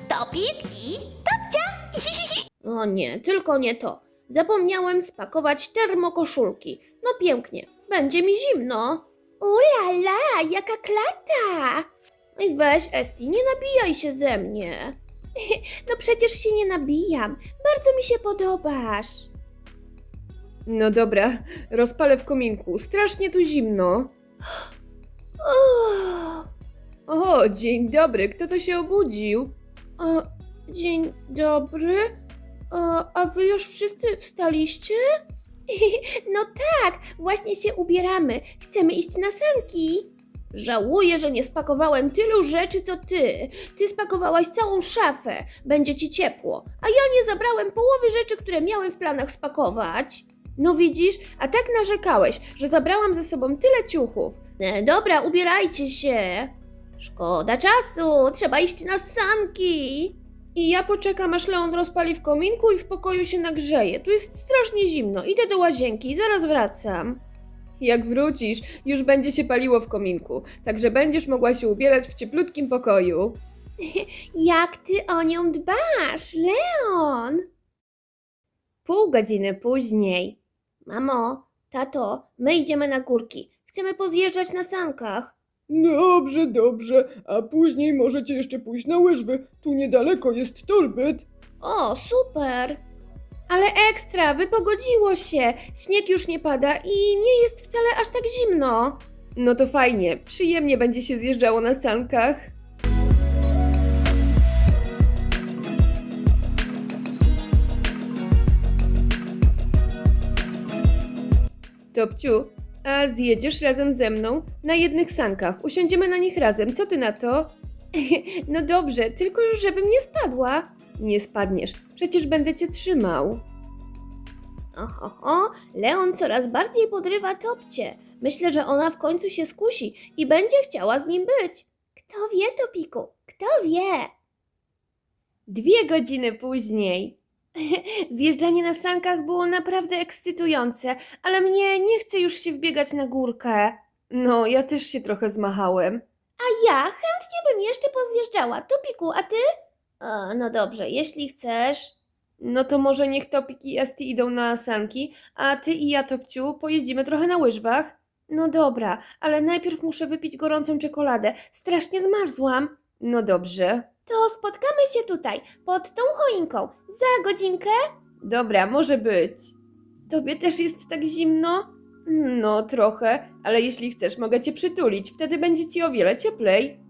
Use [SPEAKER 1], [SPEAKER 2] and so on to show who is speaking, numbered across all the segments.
[SPEAKER 1] Topik i Topcia.
[SPEAKER 2] O nie, tylko nie to. Zapomniałem spakować termokoszulki. No pięknie, będzie mi zimno. Ulala, jaka klata! Oj weź Esti, nie nabijaj się ze mnie. No przecież się nie nabijam, bardzo mi się podobasz.
[SPEAKER 3] No dobra, rozpalę w kominku. Strasznie tu zimno.
[SPEAKER 2] Uff.
[SPEAKER 3] O, dzień dobry, kto to się obudził?
[SPEAKER 2] O, dzień dobry. A wy już wszyscy wstaliście? No tak, właśnie się ubieramy. Chcemy iść na sanki. Żałuję, że nie spakowałem tylu rzeczy co ty. Ty spakowałaś całą szafę. Będzie ci ciepło. A ja nie zabrałem połowy rzeczy, które miałem w planach spakować. No widzisz, a tak narzekałeś, że zabrałam ze sobą tyle ciuchów. Dobra, ubierajcie się. Szkoda czasu, trzeba iść na sanki. I ja poczekam, aż Leon rozpali w kominku i w pokoju się nagrzeje. Tu jest strasznie zimno. Idę do łazienki i zaraz wracam.
[SPEAKER 3] Jak wrócisz, już będzie się paliło w kominku, także będziesz mogła się ubierać w cieplutkim pokoju.
[SPEAKER 2] Jak ty o nią dbasz, Leon? Pół godziny później. Mamo, tato, my idziemy na górki. Chcemy pozjeżdżać na sankach.
[SPEAKER 4] Dobrze, dobrze, a później możecie jeszcze pójść na łyżwy. Tu niedaleko jest torbyt.
[SPEAKER 2] O, super! Ale ekstra, wypogodziło się. Śnieg już nie pada i nie jest wcale aż tak zimno.
[SPEAKER 3] No to fajnie, przyjemnie będzie się zjeżdżało na sankach. Topciu, a zjedziesz razem ze mną na jednych sankach? Usiądziemy na nich razem, co ty na to?
[SPEAKER 2] No dobrze, tylko już żebym nie spadła.
[SPEAKER 3] Nie spadniesz, przecież będę cię trzymał.
[SPEAKER 2] Oho, Leon coraz bardziej podrywa Topcie. Myślę, że ona w końcu się skusi i będzie chciała z nim być. Kto wie, Topiku, kto wie? 2 godziny później. Zjeżdżanie na sankach było naprawdę ekscytujące, ale mnie nie chce już się wbiegać na górkę.
[SPEAKER 3] No, ja też się trochę zmachałem.
[SPEAKER 2] A ja chętnie bym jeszcze pozjeżdżała. Topiku, a ty? No dobrze, jeśli chcesz.
[SPEAKER 3] No to może niech Topik i Esti idą na sanki, a ty i ja, Topciu, pojeździmy trochę na łyżwach.
[SPEAKER 2] No dobra, ale najpierw muszę wypić gorącą czekoladę. Strasznie zmarzłam.
[SPEAKER 3] No dobrze.
[SPEAKER 2] To spotkamy się tutaj, pod tą choinką. Za godzinkę?
[SPEAKER 3] Dobra, może być.
[SPEAKER 2] Tobie też jest tak zimno?
[SPEAKER 3] No trochę, ale jeśli chcesz, mogę cię przytulić, wtedy będzie ci o wiele cieplej.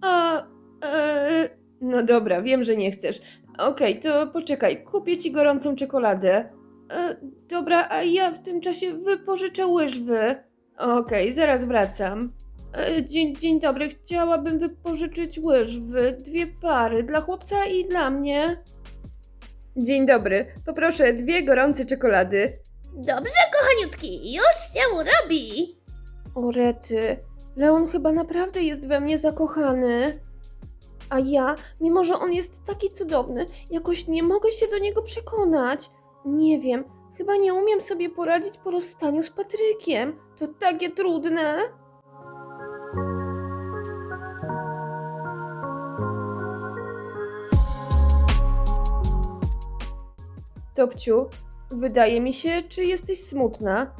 [SPEAKER 3] No dobra, wiem, że nie chcesz. Okej, to poczekaj, kupię ci gorącą czekoladę.
[SPEAKER 2] Dobra, a ja w tym czasie wypożyczę łyżwy.
[SPEAKER 3] Okej, zaraz wracam.
[SPEAKER 2] Dzień dobry, chciałabym wypożyczyć łyżwy. 2 pary, dla chłopca i dla mnie.
[SPEAKER 3] Dzień dobry, poproszę 2 gorące czekolady.
[SPEAKER 2] Dobrze, kochaniutki, już się robi. O rety, Leon chyba naprawdę jest we mnie zakochany. A ja, mimo że on jest taki cudowny, jakoś nie mogę się do niego przekonać. Nie wiem, chyba nie umiem sobie poradzić po rozstaniu z Patrykiem. To takie trudne.
[SPEAKER 3] Topciu, wydaje mi się, czy jesteś smutna?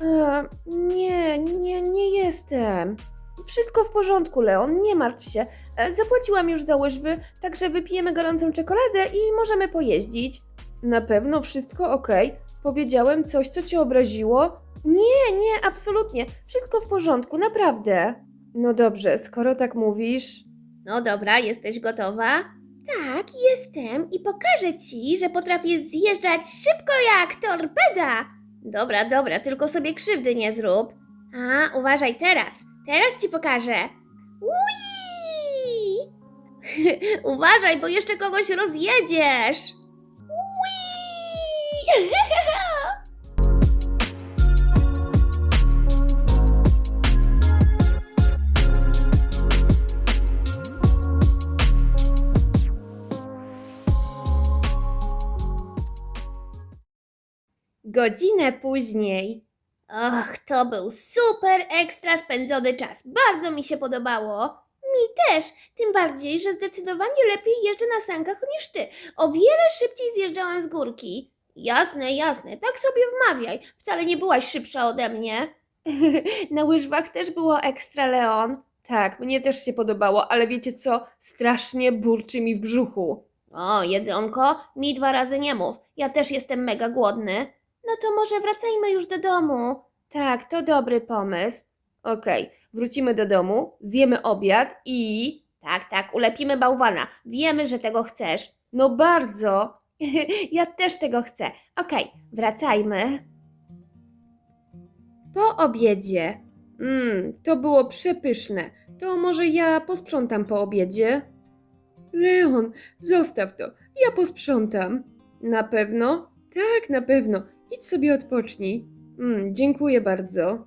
[SPEAKER 2] Nie jestem. Wszystko w porządku, Leon, nie martw się. Zapłaciłam już za łyżwy, także wypijemy gorącą czekoladę i możemy pojeździć.
[SPEAKER 3] Na pewno wszystko okej? Powiedziałem coś, co cię obraziło?
[SPEAKER 2] Nie, absolutnie. Wszystko w porządku, naprawdę.
[SPEAKER 3] No dobrze, skoro tak mówisz...
[SPEAKER 2] No dobra, jesteś gotowa? Tak, jestem i pokażę ci, że potrafię zjeżdżać szybko jak torpeda. Dobra, tylko sobie krzywdy nie zrób. A, uważaj teraz. Teraz ci pokażę. Ui! Uważaj, bo jeszcze kogoś rozjedziesz. Ui! Godzinę później. Och, to był super ekstra spędzony czas. Bardzo mi się podobało. Też, tym bardziej, że zdecydowanie lepiej jeżdżę na sankach niż ty. O wiele szybciej zjeżdżałam z górki. Jasne, jasne, tak sobie wmawiaj. Wcale nie byłaś szybsza ode mnie.
[SPEAKER 3] Na łyżwach też było ekstra, Leon. Tak, mnie też się podobało, ale wiecie co? Strasznie burczy mi w brzuchu.
[SPEAKER 2] O, jedzonko, mi 2 razy nie mów. Ja też jestem mega głodny. No to może wracajmy już do domu.
[SPEAKER 3] Tak, to dobry pomysł. Okej, wrócimy do domu, zjemy obiad i...
[SPEAKER 2] Tak, ulepimy bałwana. Wiemy, że tego chcesz.
[SPEAKER 3] No bardzo!
[SPEAKER 2] Ja też tego chcę. Okej, wracajmy. Po obiedzie.
[SPEAKER 3] To było przepyszne. To może ja posprzątam po obiedzie? Leon, zostaw to. Ja posprzątam. Na pewno? Tak, na pewno. Idź sobie odpocznij. Dziękuję bardzo.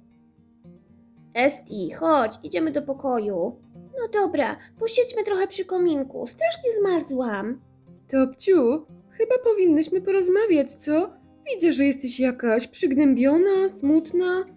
[SPEAKER 2] Esti, chodź, idziemy do pokoju. No dobra, posiedźmy trochę przy kominku. Strasznie zmarzłam.
[SPEAKER 3] Topciu, chyba powinnyśmy porozmawiać, co? Widzę, że jesteś jakaś przygnębiona, smutna.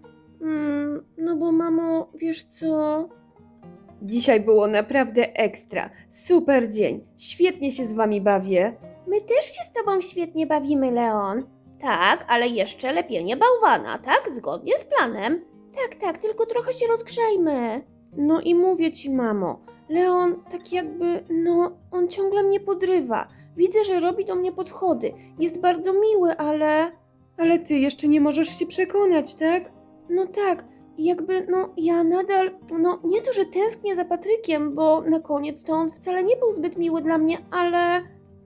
[SPEAKER 2] No bo mamo, wiesz co?
[SPEAKER 3] Dzisiaj było naprawdę ekstra. Super dzień. Świetnie się z wami bawię.
[SPEAKER 2] My też się z tobą świetnie bawimy, Leon. Tak, ale jeszcze lepienie bałwana, tak? Zgodnie z planem. Tak, tylko trochę się rozgrzejmy.
[SPEAKER 3] No i mówię ci, mamo, Leon tak jakby, on ciągle mnie podrywa. Widzę, że robi do mnie podchody. Jest bardzo miły, ale... Ale ty jeszcze nie możesz się przekonać, tak?
[SPEAKER 2] No tak, jakby, ja nadal, nie to, że tęsknię za Patrykiem, bo na koniec to on wcale nie był zbyt miły dla mnie, ale...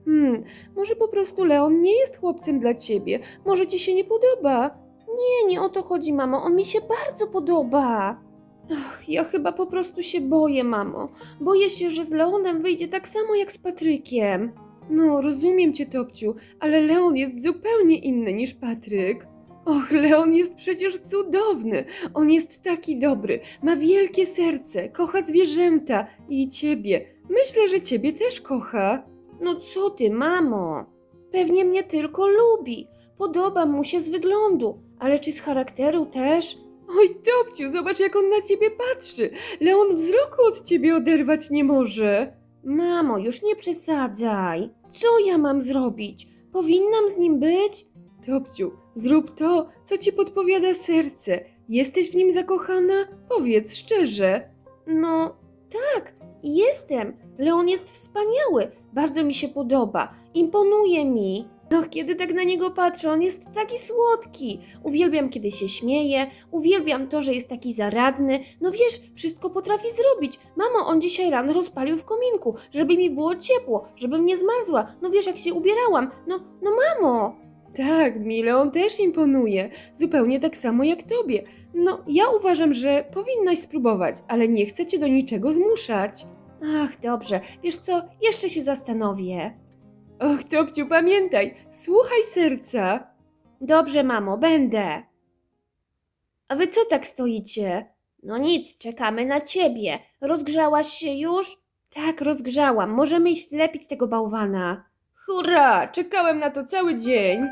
[SPEAKER 3] Może po prostu Leon nie jest chłopcem dla ciebie. Może ci się nie podoba.
[SPEAKER 2] Nie o to chodzi, mamo, on mi się bardzo podoba.
[SPEAKER 3] Ach, ja chyba po prostu się boję, mamo. Boję się, że z Leonem wyjdzie tak samo jak z Patrykiem. No, rozumiem cię, Topciu, ale Leon jest zupełnie inny niż Patryk. Och, Leon jest przecież cudowny. On jest taki dobry, ma wielkie serce, kocha zwierzęta i ciebie. Myślę, że ciebie też kocha.
[SPEAKER 2] No co ty, mamo? Pewnie mnie tylko lubi. Podoba mu się z wyglądu, ale czy z charakteru też?
[SPEAKER 3] Oj, Topciu, zobacz jak on na ciebie patrzy. Leon wzroku od ciebie oderwać nie może.
[SPEAKER 2] Mamo, już nie przesadzaj. Co ja mam zrobić? Powinnam z nim być?
[SPEAKER 3] Topciu, zrób to, co ci podpowiada serce. Jesteś w nim zakochana? Powiedz szczerze.
[SPEAKER 2] No, tak, jestem. Leon jest wspaniały. Bardzo mi się podoba. Imponuje mi.
[SPEAKER 3] Och, kiedy tak na niego patrzę, on jest taki słodki.
[SPEAKER 2] Uwielbiam, kiedy się śmieje. Uwielbiam to, że jest taki zaradny. No wiesz, wszystko potrafi zrobić. Mamo, on dzisiaj rano rozpalił w kominku, żeby mi było ciepło, żebym nie zmarzła. No wiesz, jak się ubierałam. No mamo.
[SPEAKER 3] Tak, mi Leon też imponuje. Zupełnie tak samo jak tobie. No, ja uważam, że powinnaś spróbować, ale nie chcę cię do niczego zmuszać.
[SPEAKER 2] Ach, dobrze. Wiesz co, jeszcze się zastanowię.
[SPEAKER 3] Och, Topciu, pamiętaj, słuchaj serca.
[SPEAKER 2] Dobrze, mamo, będę. A wy co tak stoicie? No nic, czekamy na ciebie. Rozgrzałaś się już?
[SPEAKER 3] Tak, rozgrzałam. Możemy iść lepić tego bałwana. Hurra! Czekałem na to cały dzień.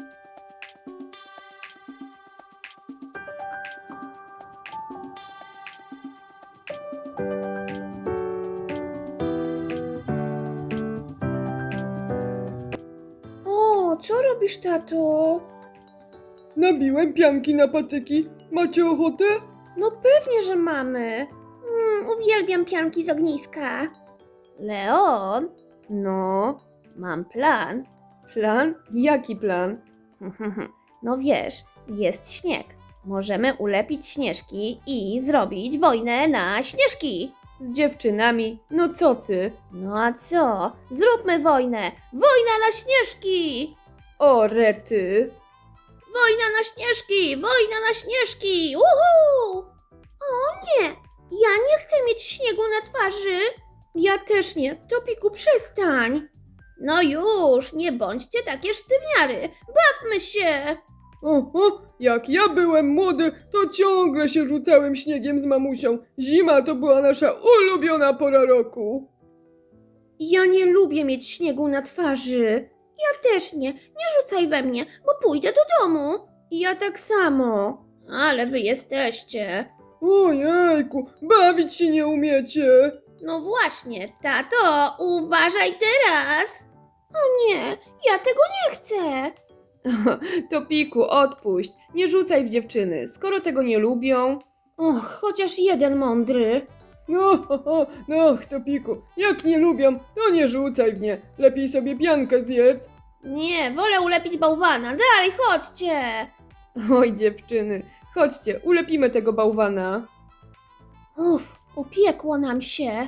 [SPEAKER 2] O, co robisz, tato?
[SPEAKER 4] Nabiłem pianki na patyki. Macie ochotę?
[SPEAKER 2] No pewnie, że mamy. Uwielbiam pianki z ogniska. Leon?
[SPEAKER 3] No,
[SPEAKER 2] Mam plan.
[SPEAKER 3] plan? Jaki plan?
[SPEAKER 2] No wiesz, jest śnieg. Możemy ulepić śnieżki i zrobić wojnę na śnieżki.
[SPEAKER 3] Z dziewczynami? No co ty?
[SPEAKER 2] No a co? Zróbmy wojnę! Wojna na śnieżki!
[SPEAKER 3] O, rety!
[SPEAKER 2] Wojna na śnieżki! Wojna na śnieżki! Uhu! O nie! Ja nie chcę mieć śniegu na twarzy! Ja też nie. Topiku, przestań! No już, nie bądźcie takie sztywniary. Bawmy się!
[SPEAKER 4] Oho, jak ja byłem młody, to ciągle się rzucałem śniegiem z mamusią. Zima to była nasza ulubiona pora roku.
[SPEAKER 2] Ja nie lubię mieć śniegu na twarzy. Ja też nie. Nie rzucaj we mnie, bo pójdę do domu.
[SPEAKER 3] Ja tak samo.
[SPEAKER 2] Ale wy jesteście.
[SPEAKER 4] Ojejku, bawić się nie umiecie.
[SPEAKER 2] No właśnie, tato, uważaj teraz! O nie, ja tego nie chcę!
[SPEAKER 3] Topiku, odpuść. Nie rzucaj w dziewczyny. Skoro tego nie lubią...
[SPEAKER 2] Och, chociaż jeden mądry.
[SPEAKER 4] No, Topiku, jak nie lubią, to nie rzucaj w nie. Lepiej sobie piankę zjedz.
[SPEAKER 2] Nie, wolę ulepić bałwana. Dalej, chodźcie!
[SPEAKER 3] Oj, dziewczyny, chodźcie, ulepimy tego bałwana.
[SPEAKER 2] Uff, upiekło nam się.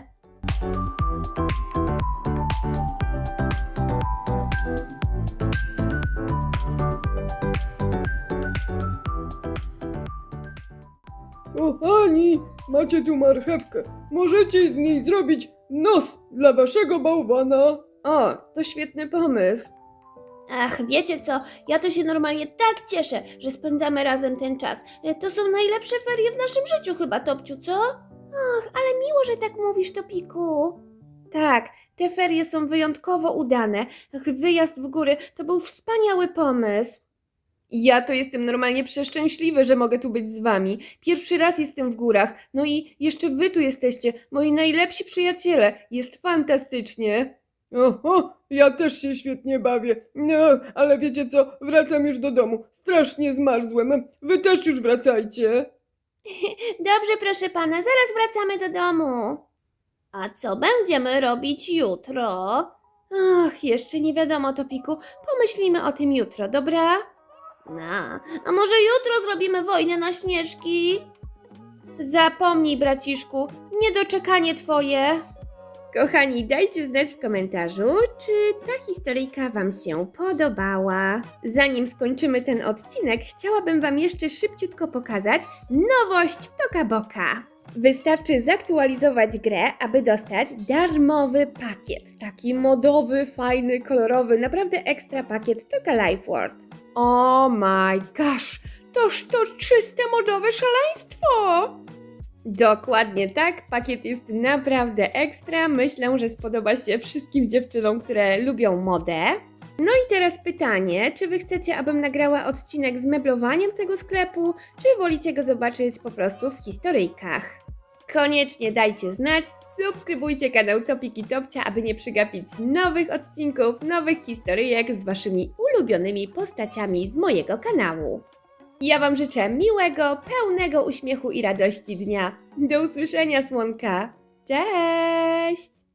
[SPEAKER 4] Kochani, macie tu marchewkę. Możecie z niej zrobić nos dla waszego bałwana.
[SPEAKER 3] O, to świetny pomysł.
[SPEAKER 2] Ach, wiecie co? Ja to się normalnie tak cieszę, że spędzamy razem ten czas. To są najlepsze ferie w naszym życiu chyba, Topciu, co? Och, ale miło, że tak mówisz, Topiku.
[SPEAKER 3] Tak, te ferie są wyjątkowo udane. Ach, wyjazd w góry to był wspaniały pomysł. Ja to jestem normalnie przeszczęśliwy, że mogę tu być z wami. Pierwszy raz jestem w górach. No i jeszcze wy tu jesteście, moi najlepsi przyjaciele. Jest fantastycznie.
[SPEAKER 4] Oho, ja też się świetnie bawię. No, ale wiecie co, wracam już do domu. Strasznie zmarzłem. Wy też już wracajcie.
[SPEAKER 2] Dobrze, proszę pana, zaraz wracamy do domu. A co będziemy robić jutro?
[SPEAKER 3] Ach, jeszcze nie wiadomo, Topiku. Pomyślimy o tym jutro, dobra?
[SPEAKER 2] A może jutro zrobimy wojnę na śnieżki?
[SPEAKER 3] Zapomnij, braciszku, niedoczekanie twoje. Kochani, dajcie znać w komentarzu, czy ta historyjka wam się podobała. Zanim skończymy ten odcinek, chciałabym wam jeszcze szybciutko pokazać nowość w Toka Boka. Wystarczy zaktualizować grę, aby dostać darmowy pakiet. Taki modowy, fajny, kolorowy, naprawdę ekstra pakiet Toka Life World. Oh my gosh, toż to czyste modowe szaleństwo! Dokładnie tak, pakiet jest naprawdę ekstra. Myślę, że spodoba się wszystkim dziewczynom, które lubią modę. No i teraz pytanie, czy wy chcecie, abym nagrała odcinek z meblowaniem tego sklepu, czy wolicie go zobaczyć po prostu w historyjkach? Koniecznie dajcie znać, subskrybujcie kanał Topiki Topcia, aby nie przegapić nowych odcinków, nowych historyjek z waszymi ulubionymi postaciami z mojego kanału. Ja wam życzę miłego, pełnego uśmiechu i radości dnia. Do usłyszenia, słonka. Cześć!